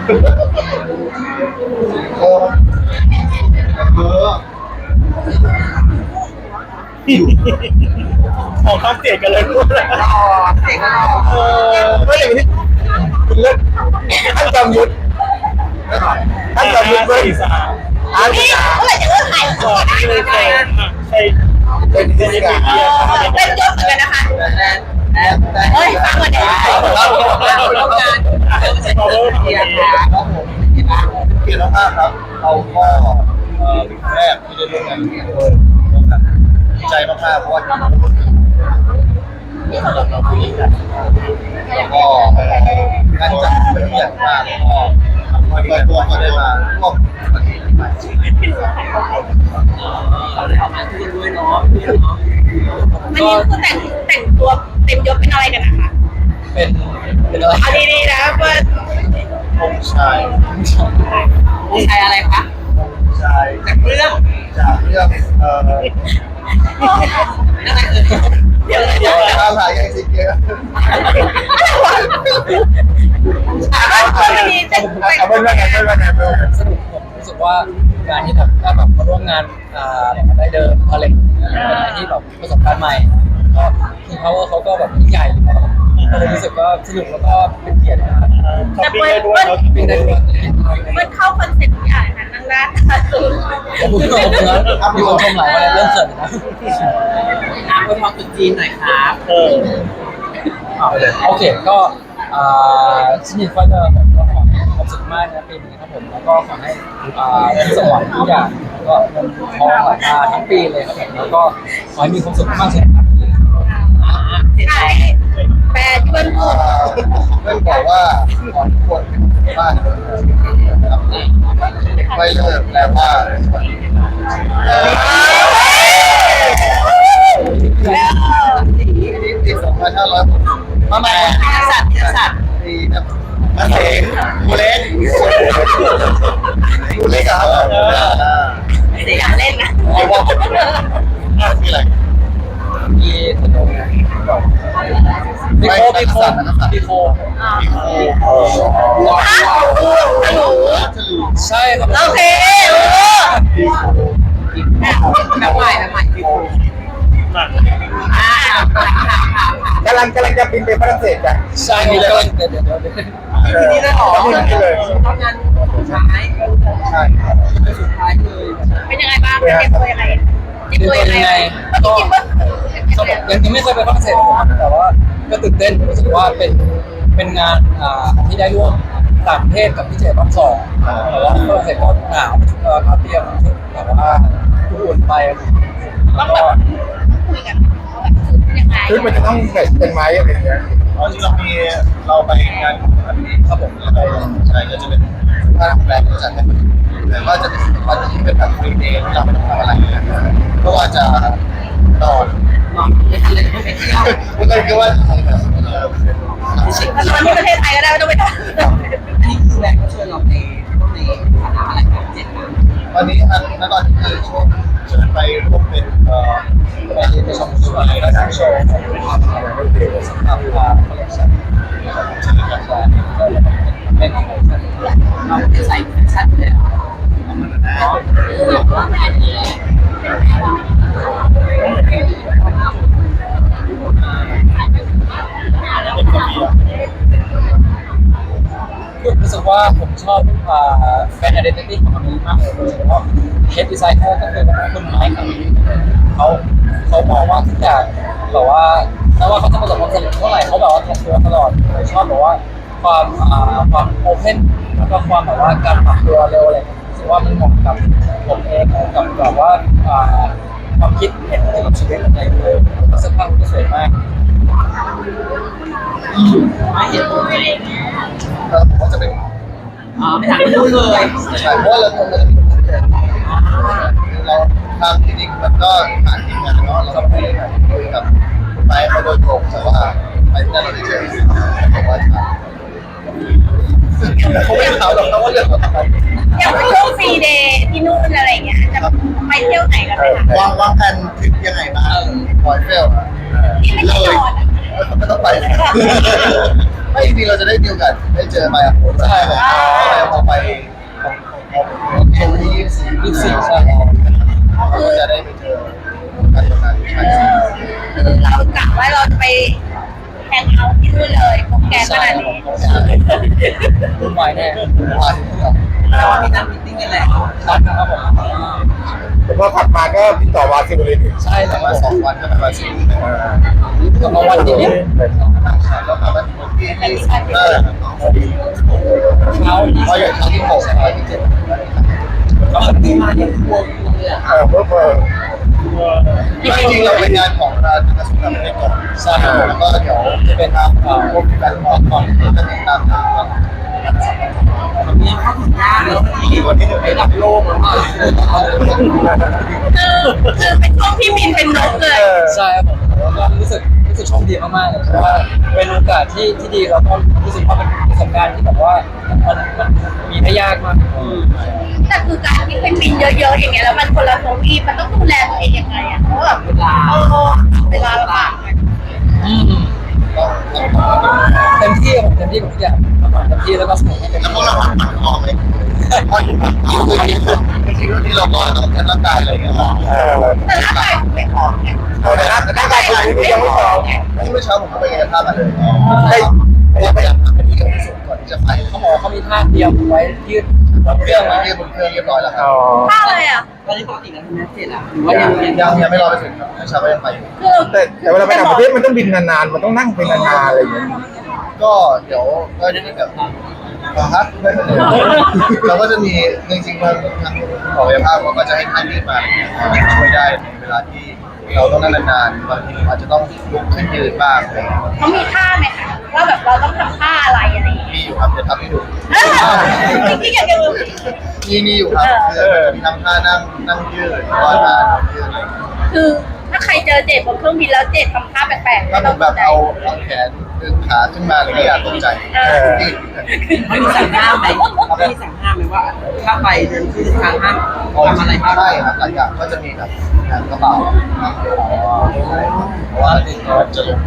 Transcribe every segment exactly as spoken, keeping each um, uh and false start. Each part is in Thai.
เออเออของข้ามเสียกันเลยพูดแล้วอ๋อเด็กก็รอเออไม่อย่างนี้คุณเลิกท่านจำยุทธท่านจำยุทธเว้ยอ่านนี่เมื่อไหร่จะเลิกถ่ายก่อนที่เลยใช่ใช่เป็นพิธีการเป็นยศเหมือนกันนะคะแต่แต่เฮ้ยฟังก่อนเดี๋ยวเราต้องการเรื่องเศรษฐกิจนะครับผมเห็นไหมเกียรติมากครับเราก็เอ่อเป็นแรกที่ได้ร่วมงานกับพี่ด้วยดีใจมากๆเพราะว่าที่เราพูดถึงที่เราเราคุยกันแล้วก็การจัดเป็นใหญ่มากแล้วก็เปิดตัวก็ได้มาร่วมวันนี้ใหม่เราได้ออกมาคุยกันด้วยเนาะเนาะมันนี่คือแต่งแต่งตัวเต็มยศเป็นอะไรกันนะคะเป็นเป็นอะไรเอาดีๆนะเพื่อนองค์ชายมีใครอะไรคะองค์ชายจากเรื่องจากเรื่องเอ่อนั่นอะไรเอ่ยเดี๋ยวเดี๋ยวข้าวหายยังสิเกียร์มันมีแต่งแต่งเอาเป็นว่าไงเป็นว่าไงเป็นว่าไงสนุกผมรู้สึกว่าการที่แบบได้แบบมาร่วมงานอ่าได้เดินอะไรเป็นอะไรที่แบบประสบการณ์ใหม่ก็คือเขาเขาก็แบบยิ่งใหญ่ก็เลยรู้สึกว่าสนุกแล้วก็เป็นเกียรตินะครับช้อปปิ้งได้ด้วยเขาเป็นได้ด้วยมันเข้าคอนเซ็ปต์ที่อ่านนะนั่งด้านสูงขอบคุณขอบคุณนะมีคนชมหลายวันเริ่มเขินนะน้ำไปพอตุจีนหน่อยครับเออโอเคก็อ่าชินิก็จะแบบก็ขอให้ความสุขมากนะปีนี้ครับผมแล้วก็ขอให้อ่าสมหวังทุกอย่างก็เงินทองไหลมาทั้งปีเลยครับผมแล้วก็ขอให้มีความสุขมากๆสุขภาพดีเห็นไหมแปลเพื่อนพูดเพื่อนบอกว่าก่อนควรเป็นบ้านนะครับไม่เลิกแปลว่าปีสองพันห้าร้อยมาใหม่สัตว์สัตว์ปีนะมาเสงกูเล็กกูเล็กครับเสียงเล่นนะเอาว่าที่อะไรมีขนมมีโคมีโคมีโคปีโคฮะหนูจะรู้ใช่ครับโอเคโอ้ปีโคแบบใหม่แบบใหม่ที่คุณอ่ากำลังกำลังจะบินไปฝรั่งเศสกันใช่มีเลยเดี๋ยวเดี๋ยวเดี๋ยวทีนี้ได้หรอนี่เลยทำงานสุดท้ายใช่สุดท้ายเลยเป็นยังไงบ้างเตรียมตัวยังไงเตรียมตัวยังไงเมื่อกี้คิดว่าเขาบอกยังยังไม่เคยไปฝรั่งเศสแต่ว่าก็ตื่นเต้นรู้สึกว่าเป็นเป็นงานอ่าที่ได้ร่วมต่างประเทศกับพี่เจรอบสองแต่ว่าฝรั่งเศสก็หนาวเออเขาเตรียมแบบว่าอุ่นไปต้องแบบคุยกันยังไงชุดมันจะต้องแบบเป็นไม้อะไรอย่างเงี้ยตอนที่เรามีเราไปงานของอันนี้ครับผมไปใช่ก็จะเป็นผ้าแบรนด์ที่จัดให้คนแต่ว่าจะเป็นวันที่เป็นแบบฟรีเดย์ที่เราไม่ต้องทำอะไรก็ว่าจะนอนมองไม่ทันเลยไม่ไปเที่ยวก็เลยคิดว่าตอนที่ประเทศไทยก็ได้ไม่ต้องไปทำนี่คือแบงค์ก็เชิญเราในพวกในฐานะอะไรครับเจ็ดนะตอนนี้อันนั้นตอนนี้คือช่วงเชิญไปร่วมเป็นเอ่อไปชมสวนและทางโชว์ของสำหรับคอลเลคชั่นนะครับเชิญกันว่าเป็นคอลเลคชั่นเราจะใส่แฟชั่นเลยรู้สึกว่าผมชอบแบรนด์ identity ของมันนี้มากเลยโดยเฉพาะ head designer ก็คือคุณไมค์ครับเขาเขามองว่าทุกอย่างแบบว่าไม่ว่าเขาจะประสบความสำเร็จเท่าไหร่เขาแบบว่าทำตัวตลอดผมชอบแบบว่าความอ่าความโอเพนแล้วก็ความแบบว่าการปรับตัวเร็วอะไรรู้สึกว่ามันเหมาะกับผมเองกับแบบว่าอ่าความคิดเห็นเกี่ยวกับชีวิตอะไรเลยเสื้อผ้าก็สวยมากไม่เห็นตัวเองเราผมว่าจะเป็นอ๋อไม่ถามพูดเลยใช่เพราะว่าเราทำเราจะมีเราทำจริงๆมันก็ผ่านทีมงานเนาะเราก็ไปคุยกับไปเขาโดยตรงแต่ว่าไปที่นั่นเราได้เจอบอกว่าเขาไม่ถามหรอกเขาว่าเรื่องอะไรอย่างช่วงฟรีเดย์ที่นู่นอะไรอย่างเงี้ยจะไปเที่ยวไหนกันไหมคะวางวางแผนทริปยังไงบ้างปล่อยเฟลที่ไม่ใช่นอนอ่ะไม่ต้องไปไม่จริงๆเราจะได้มีโอกาสได้เจอมาโอ้ใช่ไหมรุ่นวายแน่ผ่านแต่ว่ามีนัดมิทติ้งกันแหละครับครับผมแต่พอขับมาก็ติดต่อวาซิลเลยใช่แต่แต่ว่าว่าสองวันก็เป็นวันสิ้นกลับมาวันนี้แล้วมาวันที่ที่เออเช้าเพราะอย่างที่หกวันที่เจ็ดก็มีมาเนี่ยครัวเลยอ่ะเออเพิ่มเพิ่มจริงๆเราเป็นงานของร้านกระทรวงการคลังก่อนใช่ครับแล้วก็เดี๋ยวจะเป็นทางพวกการมองก่อนที่จะติดตามทางมีเข้าถึงหน้าเลยวันที่หนึ่งระดับโลกแล้วอ่ะคือคือเป็นช่วงที่บินเป็นนกเลยใช่ครับผมแล้วก็รู้สึกรู้สึกโชคดีมากๆเลยเพราะว่าเป็นโอกาสที่ที่ดีแล้วก็รู้สึกว่าเป็นประสบการณ์ที่แบบว่ามันมันมีได้ยากมากแต่คือการที่เป็นบินเยอะๆอย่างเงี้ยแล้วมันคนละทวีปมันต้องดูแลตัวเองยังไงอ่ะเพราะแบบเวลาเออเวลาลำบากไหมอืมก็เต็มที่ผมเต็มที่กับทุกอย่างเต็มที่แล้วก็สนุกให้เต็มแล้วพวที่กเราหมันออกไหมพออยู่จริงๆที่เราก็ต้องใช้ร่างกายอะไรอย่างเงี้ยเออแต่ร่างกายไม่ออกไงเอาแต่ร่างกายคุณยังไม่พร้อมที่เมื่อเช้าผมก็ไปกายภาพมาเลยได้เพราะว่าพยายามทำให้ดีที่สุดก่อนที่จะไปเขาบอกเขามีท่าเตรียมไว้ยืดบนเคเครื่รื่ออง งไว้มาที่บนเครื่องเรียบร้อยแล้วครัอ๋บอท่าอะไรอ่ะตอนนี้ปกติแล้วคุณแม่เสร็จอ่ะหรือว่ายังยังยังยังไม่รอไปถึงครับเมื่อเช้าก็ยังไปอยู่คือแต่แต่เวลาไปต่างประเทศมันต้องบินนานๆ มันต้องนั่งเป็นนานๆอะไรอย่างเงี้ยก็เดี๋ยวก็จะแบบอ่าฮะเราก็จะมีจริงๆทางทางหมอกายภาพเราก็จะให้ท่านยืดมาช่วยได้ในเวลาที่เราต้องนั่งนานๆบางทีอาจจะต้องลุกขึ้นยืนบ้างอะไรอย่างเงี้ยเขามีท่าไหมคะว่าแบบเราต้องทำท่าอะไรอะไรอย่างเงี้ยมีอยู่ครับเดี๋ยวทำให้ดูเออจริงๆอยากจะรู้มีมีอยู่ครับคือมีทั้งท่านั่งนั่งยืดหรือว่าท่าเดินยืดอะไรอย่างเงี้ยคือถ้าใครเจอเจดบนเครื่องบินแล้วเจดทำท่าแปลกๆถ้าผมแบบเอาเอาแขนดึงขาขึ้นมาอะไรอย่างเงี้ยอย่าตกใจยืดไม่มีสั่งห้ามไหมไม่มีสั่งห้ามไหมว่าถ้าไปเดินขึ้นทางห้ามทำอะไรบ้างใช่ครับหลายอย่างก็จะมีแบบงานกระเป๋าเพราะว่าจะลง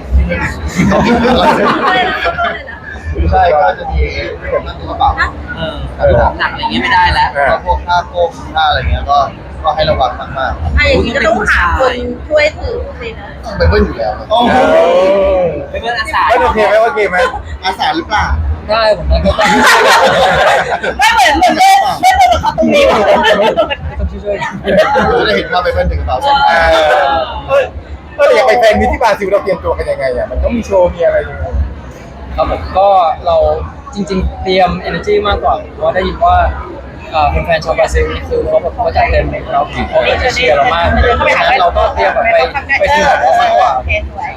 ใช่ก็จะมีผมนั่งกระเป๋าเออหนักอะไรเงี้ยไม่ได้แล้วแล้วพวกท่าโก้ท่าอะไรเงี้ยก็ก็ให้ระวังมากอ่ะอย่างนี้ก็ต้องหาคนช่วยถือสินะๆต้องไปเบิ้ลอยู่แล้วโอ้เออไม่เป็นอาสาไม่โอเคไหมโอเคไหมอาสาหรือเปล่าได้ผมนะก็ต้องไม่เหมือนเหมือนเล่นเล่นโทรศัพท์ตรงนี้ต้องช่วยจะได้เห็นภาพไปเบิ้ลถึงกระเป๋าใช่ไหมเออเออเอออยากไปแฟนมิตรที่บราซิลเราเตรียมตัวกันยังไงอ่ะมันต้องมีโชว์มีอะไรยังไงครับผมก็เราจริง ๆ เตรียม energy มากกว่าเพราะว่าได้ยินว่าเอ่อแฟนๆชาวบราซิลนี่คือเขาแบบเขาจัดเต็มเลยเราเขาจะเชียร์เรามากเพราะฉะนั้นเราก็เตรียมแบบไปไปถึงเขามากกว่าโอเคสวย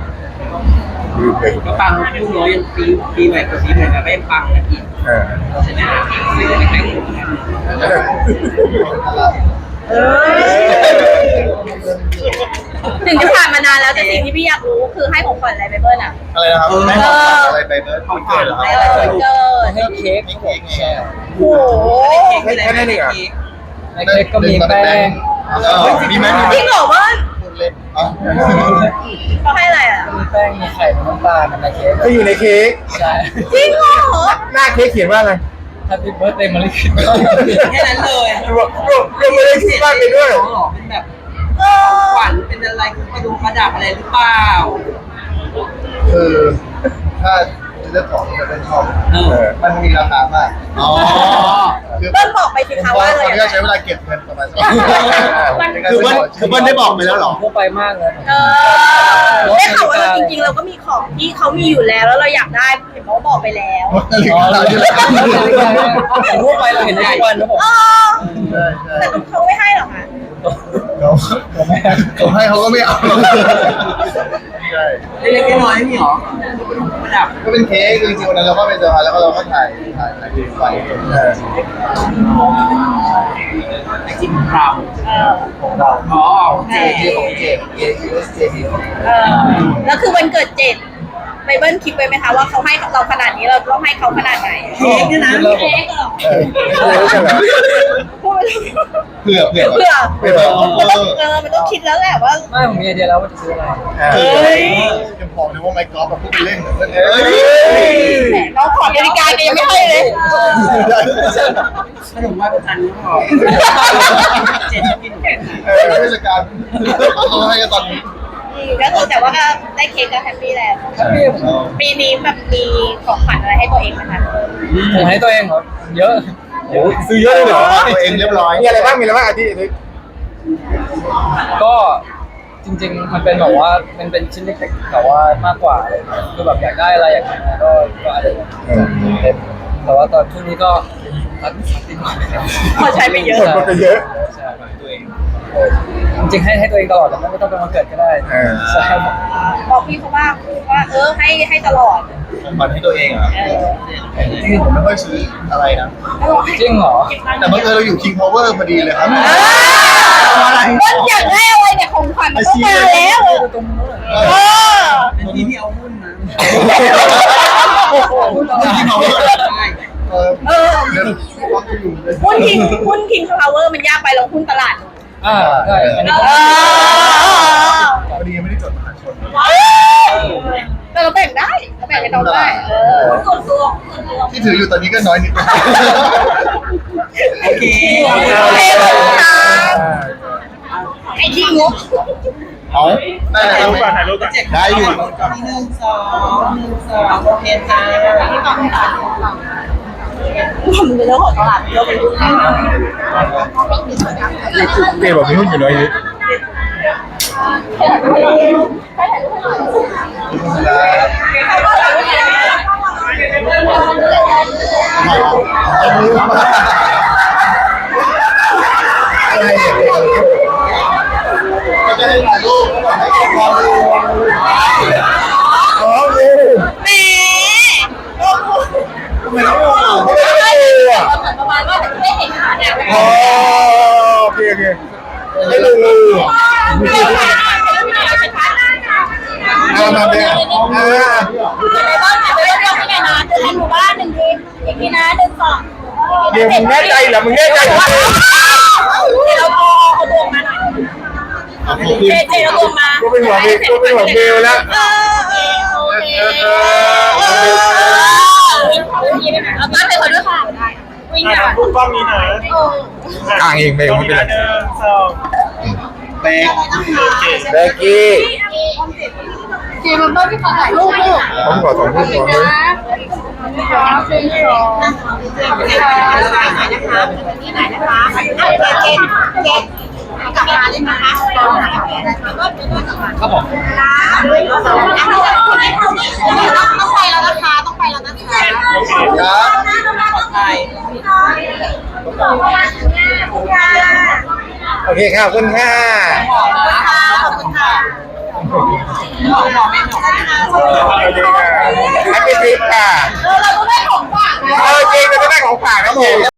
ก็ปังลูกน้อยยังปีปีใหม่กับปีใหม่ก็ไม่ปังนะอีกเออใช่ไหมไม่ได้แข่งขันถึงจะผ่านมานานแล้วแต่สิ่งที่พี่อยากรู้คือให้ของขวัญอะไรไปเบิ้ลอ่ะอะไรนะครับไม่ต้องอะไรไปเบิ้ลของเกิดเหรอคเอรับอวันเกิดให้เค้กไม่เค้กไงโอ้โหเค้กไม่ได้ไม่ได้เค้กในเค้กก็มีแป้งมีไหมจริงเหรอเบิ้ลเล่นอ๋อเขาให้อะไรอ่ะมีแป้งมีไข่มีน้ำตาลในเค้กก็อยู่ในเค้กใช่จริงเหรอหน้าเค้กเขียนว่าอะไร Happy Birthday มาลิคิดแค่นั้นเลยรวมรวมรวมไม่ได้คิดมากเลยด้วยเป็นแบบเออขวัญเป็นอะไรกระดุมประดับอะไรหรือเปล่าคือถ้าจะเลือกของที่เราชอบเออมันมีราคามากอ๋อคือเบิ้ลบอกไปสิคะว่าอะไรตอนนี้ใช้เวลาเก็บเงินประมาณมันคือเบิ้ลคือเบิ้ลได้บอกไปแล้วหรอทั่วไปมากเลยเออได้ข่าวว่าเราจริงๆเราก็มีของที่เขามีอยู่แล้วแล้วเราอยากได้เห็นเขาบอกไปแล้วอ๋อทั่วไปเราเห็นได้ทุกวันนะผมเออแต่เขาไม่ให้หรอกค่ะเขาเขาให้เขาก็ไม่เอาใช่เล็กๆน้อยๆไม่มีหรอประดับก็เป็นเค้กจริงๆวันนั้นเราก็ไปเจอมาแล้วก็เราก็ถ่ายถ่ายถ่ายคลิปไว้เออไอจิมเราเออของเราอ๋อเจเจของเจเอเอสเจดีเออแล้วคือวันเกิดเจ็ดไบเบิลคิดไว้ไหมคะว่าเขาให้เราขนาดนี้เราต้องให้เขาขนาดไหนเค้กเนี่ยนะเค้กเหรอเออไม่รู้กันเหรอพูดเผื่อเผื่อเพื่อเผื่อมันต้องเออมันต้องคิดแล้วแหละว่าไม่ผมมีไอเดียแล้วว่าจะซื้ออะไรเอเฮ้อยยังบอกเลยว่าไมค์กอล์ฟแบบพูดไปเล่นเหมือนกันเฮ้ยแหมน้องขอนาฬิกาแกยังไม่ให้เลยขนมไหว้พระจันทร์นี่พอเจ็ดจะกินแค่ไหนเทศกาลเขาให้กันตอนนี้อก็คือแต่ว่าก็ได้เค้กก็แฮปปี้แล้วแฮปปี้ปีนี้แบบมีของขวัญอะไรให้ตัวเองไหมคะผมให้ตัวเองครับเยอะโอ้ซื้อเยอะเลยเหรอตัวเองเรียบร้อยมีอะไรบ้างมีอะไรบ้างอาทิตย์นี้ก็จริงๆมันเป็นแบบว่ามันเป็นชิ้นเล็กๆแต่ว่ามากกว่าอะไรเงี้ยคือแบบอยากได้อะไรอยากได้อะไรก็ก็อะไรเต็มแต่ว่าตอนช่วงนี้ก็ตัดติดหน่อยนะครับพอใช้ไปเยอะคนก็เยอะใช่ตัวเองจริงๆให้ให้ตัวเองตลอดแต่ไม่ต้องเป็นวันเกิดก็ได้เออใช่ครับบอกพี่เขาว่าว่าเออให้ให้ตลอดของขวัญให้ตัวเองอ่ะเออจริงๆผมไม่ค่อยซื้ออะไรนะจริงเหรอแต่บังเอิญเราอยู่ King Power พอดีเลยครับต้นอยากได้อะไรเนี่ยของขวัญมันก็มาแล้ว เออเป็นทีที่เอาหุ้นนะ King Power เออเออเดี๋ยววักจะอยู่เลยหุ้นคิงหุ้นคิงพาวเวอร์มันยากไปลงหุ้นตลาดอ่าใช่อันนี้เอก็อพอดียังไม่ได้จดมหาชนแต่เราแบ่งได้เราแบ่งกันน้องได้เออส่วนตัวส่วนตัวที่ถืออยู่ตอนนี้ก็น้อยนิดนึงโอเคโอเคขอบคุณค่ะไอ้ขี้งกเอาได้เลยครับได้อยู่ที่หนึ่งสองหนึ่งสองโอเคจ้ามันเป็นเรื่องของตลาดเราเป็นลูกค้าเปย์บอกมีหุ้นอยู่น้อยนิดอะไรเนี่ยก็จะให้ถ่ายรูปแล้วให้ความรู้อ๋อโอเคแหมทำไมต้องรู้อ่ะไม่ได้ดูอ่ะเหมือนประมาณว่าไม่เห็นขาเนี่ยอ๋อโอเคโอเคไม่ดูเอามาเนี่ยอ่าในบ้านถ่ายไปเรื่องที่ไหนนะเดินในหมู่บ้านหนึ่งทีอีกทีนะหนึ่งสองเดี๋ยวมึงแน่ใจเหรอมึงแน่ใจเหรอเราเอาเอาตัวมาหน่อยเอาขอบคุณเจเจเอาตัวมากูเป็นหัวเบลกูเป็นหัวเบลแล้วเออโอเคเอาตั้งไปคนด้วยค่ะวิ่งค่ะพูดกล้องนี้นะอ่างเองเบลไม่เป็นไรหนึ่งสองเป๊กเบกกี้เจมันต้องที่ขอถ่ายรูปลูกผมขอสองหุ้นก่อนเลยที่ไหนนะคะเกมเกมกลับมาเลยนะคะครับผมต้องไปแล้วนะคะต้องไปแล้วนะคะครับไทยโอเคค่ะขอบคุณค่ะขอบคุณค่ะหมอหมอไม่หมอโอเคค่ะแฮปปี้ทริปค่ะเราต้องได้ของฝากนะเออจริงจะได้ของฝากนะผม